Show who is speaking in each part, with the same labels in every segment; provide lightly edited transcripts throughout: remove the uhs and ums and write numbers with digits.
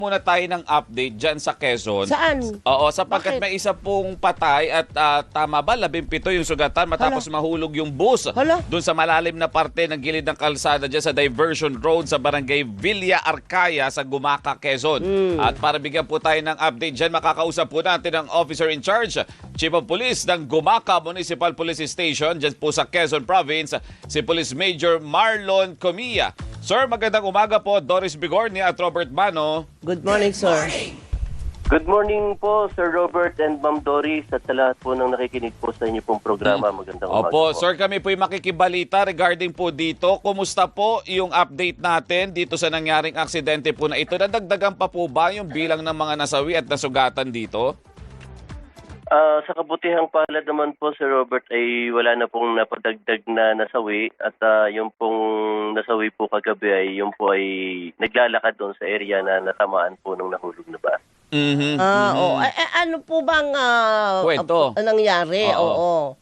Speaker 1: Muna tayo ng update dyan sa Quezon.
Speaker 2: Saan?
Speaker 1: Oo, sapagkat
Speaker 2: Bakit?
Speaker 1: may isa pong patay at tama ba, 17 yung sugatan matapos mahulog yung bus
Speaker 2: Hala.
Speaker 1: doon sa malalim na parte ng gilid ng kalsada dyan sa Diversion Road sa barangay Villa Arcaya sa Gumaca, Quezon. At para bigyan po tayo ng update dyan, makakausap po natin ang officer in charge, Chief of Police ng Gumaca Municipal Police Station dyan po sa Quezon Province, si Police Major Marlon Comilla. Sir, magandang umaga po, Doris Bigornia at Robert Mano.
Speaker 2: Good morning, sir.
Speaker 3: Good morning po, Sir Robert and Ma'am Doris at sa lahat po ng nakikinig po sa inyo pong programa. Magandang umaga
Speaker 1: Opo,
Speaker 3: po.
Speaker 1: sir, kami po'y makikibalita regarding po dito. Kumusta po yung update natin dito sa nangyaring aksidente po na ito? Nadagdagan pa po ba yung bilang ng mga nasawi at nasugatan dito?
Speaker 3: Sa kabutihang palad naman po, Sir Robert, ay wala na pong napadagdag na nasawi at yung pong nasawi po kagabi ay yung po ay naglalakad doon sa area na natamaan po ng nahulog na bus.
Speaker 2: Ano po bang
Speaker 1: Kwento.
Speaker 2: nangyari?
Speaker 1: Oo.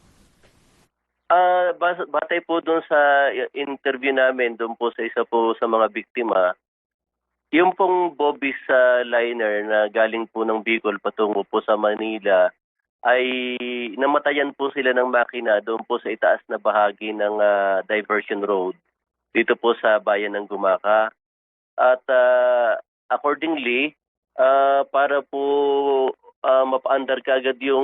Speaker 3: Batay po doon sa interview namin doon po sa isa po sa mga biktima, yung pong Bobby's liner na galing po ng Bicol patungo po sa Manila ay namatayan po sila ng makina doon po sa itaas na bahagi ng Diversion Road dito po sa bayan ng Gumaca. At accordingly, para po mapa-andar kaagad yung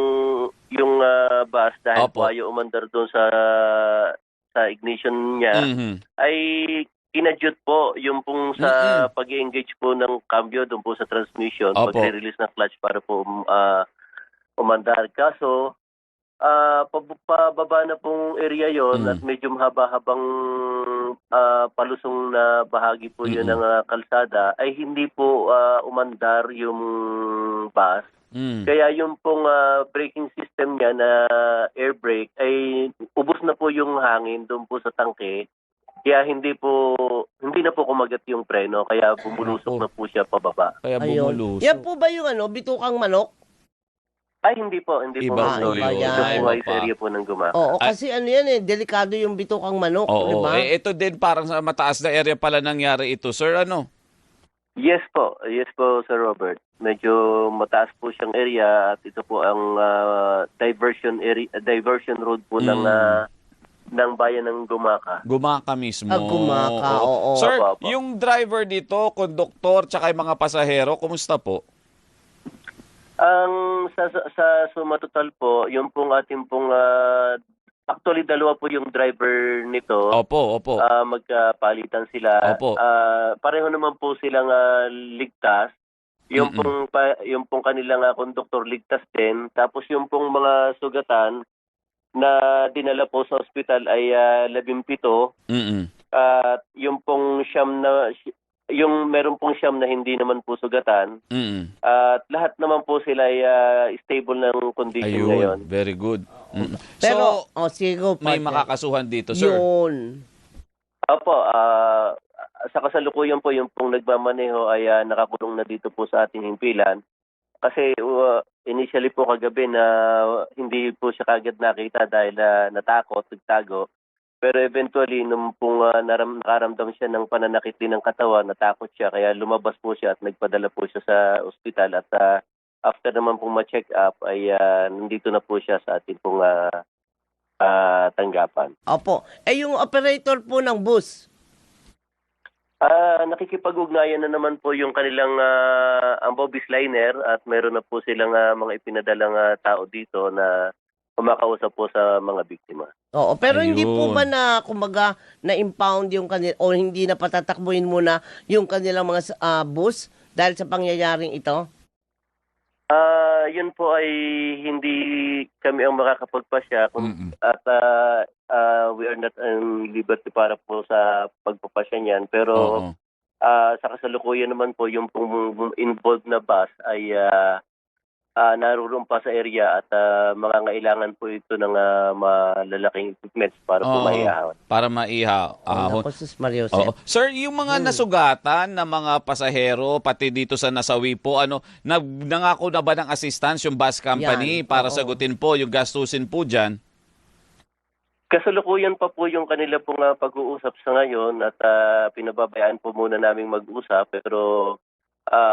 Speaker 3: bus dahil
Speaker 1: Opo.
Speaker 3: po ayaw umandar doon sa ignition niya, ay kinadyot po yung pong sa pag-engage po ng cambio doon po sa transmission,
Speaker 1: Opo.
Speaker 3: pag-release ng clutch para po umandar. Kaso, pababa na pong area yon at medyo mahaba-habang palusong na bahagi po yun ng kalsada, ay hindi po umandar yung bus. Kaya yung pong braking system niya na air brake ay ubos na po yung hangin doon po sa tangke. Kaya hindi na po kumagat yung preno, kaya bumulusok na po siya pababa.
Speaker 1: Kaya
Speaker 2: Ayun.
Speaker 1: bumulusok.
Speaker 2: Yan po ba yung bitukang manok?
Speaker 3: Ay, hindi po. Hindi po.
Speaker 1: Iba
Speaker 2: po
Speaker 3: Sorry.
Speaker 2: yun.
Speaker 3: Ito po ay
Speaker 1: Iba
Speaker 3: sa
Speaker 1: pa.
Speaker 3: area po ng Gumaca.
Speaker 2: Oo, kasi ano yan delikado yung bitukang manok, di
Speaker 1: Oo,
Speaker 2: ba?
Speaker 1: ito din parang sa mataas na area pala nangyari ito. Sir, ano?
Speaker 3: Yes po, Sir Robert. Medyo mataas po siyang area at ito po ang diversion road po ng bayan ng Gumaca.
Speaker 1: Gumaca mismo.
Speaker 2: Gumaca, oo.
Speaker 1: Sir,
Speaker 3: Opo.
Speaker 1: yung driver dito, konduktor, tsaka yung mga pasahero, kumusta po?
Speaker 3: Ang sa suma total po, yung pong ating pong actually dalawa po yung driver nito.
Speaker 1: Opo.
Speaker 3: Magkapalitan sila.
Speaker 1: Opo.
Speaker 3: Pareho naman po silang ligtas. Yung pong kanilang konduktor ligtas din. Tapos yung pong mga sugatan na dinala po sa ospital ay 17. At yung pong meron pong siyam na hindi naman po sugatan. At lahat naman po sila ay stable ng condition ngayon.
Speaker 1: Ayun, very good.
Speaker 2: Pero,
Speaker 1: So,
Speaker 2: sige go,
Speaker 1: may
Speaker 2: partner.
Speaker 1: makakasuhan dito, sir.
Speaker 2: Yun.
Speaker 3: Opo, sa kasalukuyan po yung pong nagmamaneho ay nakakulong na dito po sa ating himpilan. Kasi initially po kagabi na hindi po siya kagad nakita dahil natakot, nagtago. Pero eventually, nung pong nakaramdam siya ng pananakit din ng katawan, natakot siya. Kaya lumabas po siya at nagpadala po siya sa ospital. At after naman pong ma-check up, ay nandito na po siya sa ating pong tanggapan.
Speaker 2: Opo. Yung operator po ng bus,
Speaker 3: Nakikipag-ugnayan na naman po yung kanilang ang Bobby's liner at meron na po silang mga ipinadalang tao dito na kumakausap po sa mga biktima.
Speaker 2: oo. Pero hindi po
Speaker 1: Ayun.
Speaker 2: ba kumbaga, na-impound yung kanila, o hindi na patatakbuhin muna yung kanilang mga bus dahil sa pangyayaring ito?
Speaker 3: Yun po ay hindi kami ang makakapagpasya at we are not in liberty para po sa pagpapasya niyan. Pero
Speaker 1: Oo.
Speaker 3: sa kasalukuyan naman po yung pong involved na bus ay naroon pa sa area at mangangailangan po ito ng malalaking equipments para po
Speaker 1: Oo.
Speaker 3: maiahon.
Speaker 1: Para maihaw.
Speaker 2: Ako, sus Mario
Speaker 1: Oo.
Speaker 2: Jose.
Speaker 1: Sir, yung mga nasugatan na mga pasahero, pati dito sa nasawi po, nangako na ba ng assistance yung bus company
Speaker 2: Yan,
Speaker 1: para
Speaker 2: oo.
Speaker 1: sagutin po yung gastusin po dyan?
Speaker 3: Kasalukuyan pa po yung kanila pong pag-uusap sa ngayon at pinababayaan po muna naming mag-usap pero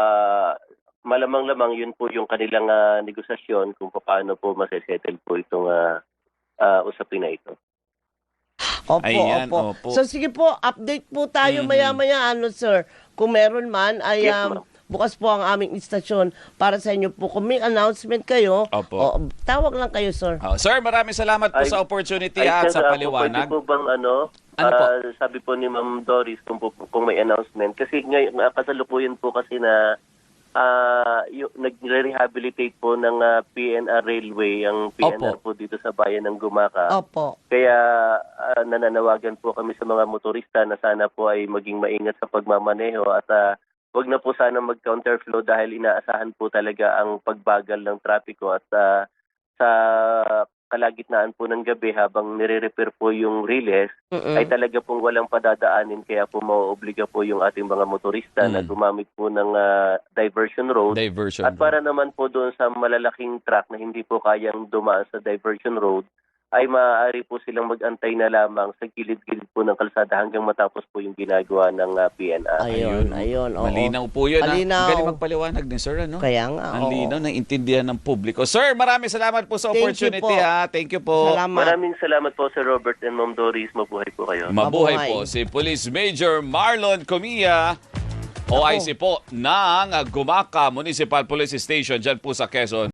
Speaker 3: malamang-lamang yun po yung kanilang negosasyon kung paano po masesettle po itong usapin na ito.
Speaker 2: Opo,
Speaker 1: Ayan,
Speaker 2: opo.
Speaker 1: opo.
Speaker 2: So sige po, update po tayo maya-maya, sir. Kung meron man, ay
Speaker 3: Yes, ma'am.
Speaker 2: bukas po ang aming istasyon para sa inyo po. Kung may announcement kayo,
Speaker 1: Opo.
Speaker 2: tawag lang kayo, sir.
Speaker 1: Sir, maraming salamat po sa opportunity at sa paliwanag.
Speaker 3: Pwede po bang
Speaker 1: Ano po?
Speaker 3: sabi po ni Ma'am Doris kung may announcement. Kasi ngayon, kasalukuyan po kasi na nagre-rehabilitate po ng PNR Railway, ang PNR po dito sa bayan ng Gumaca.
Speaker 2: Opo.
Speaker 3: Kaya nananawagan po kami sa mga motorista na sana po ay maging maingat sa pagmamaneho at wag na po sana mag-counterflow dahil inaasahan po talaga ang pagbagal ng trapiko at sa kalagitnaan po ng gabi habang nire-repair po yung relays ay talaga pong walang padadaanin kaya po mauobliga po yung ating mga motorista na gumamit po ng diversion road. At para naman po doon sa malalaking truck na hindi po kayang dumaan sa diversion road ay maaari po silang mag-antay na lamang sa gilid-gilid po ng kalsada hanggang matapos po yung ginagawa ng PNR.
Speaker 2: Ayun. Oo.
Speaker 1: Malinaw po yun.
Speaker 2: Malinaw.
Speaker 1: Ang galing magpaliwanag ni sir, ano?
Speaker 2: Kaya nga,
Speaker 1: Ang
Speaker 2: oo.
Speaker 1: linaw, naiintindihan ng publiko. Sir, maraming salamat po sa
Speaker 2: Thank you
Speaker 1: opportunity,
Speaker 2: po.
Speaker 1: ha. Thank you po.
Speaker 2: Salamat.
Speaker 3: Maraming salamat po Sir Robert and Ma'am Doris. Mabuhay po kayo.
Speaker 1: Mabuhay
Speaker 2: Mabuhay.
Speaker 1: po si Police Major Marlon Comia, OIC po ng Gumaca Municipal Police Station dyan po sa Quezon.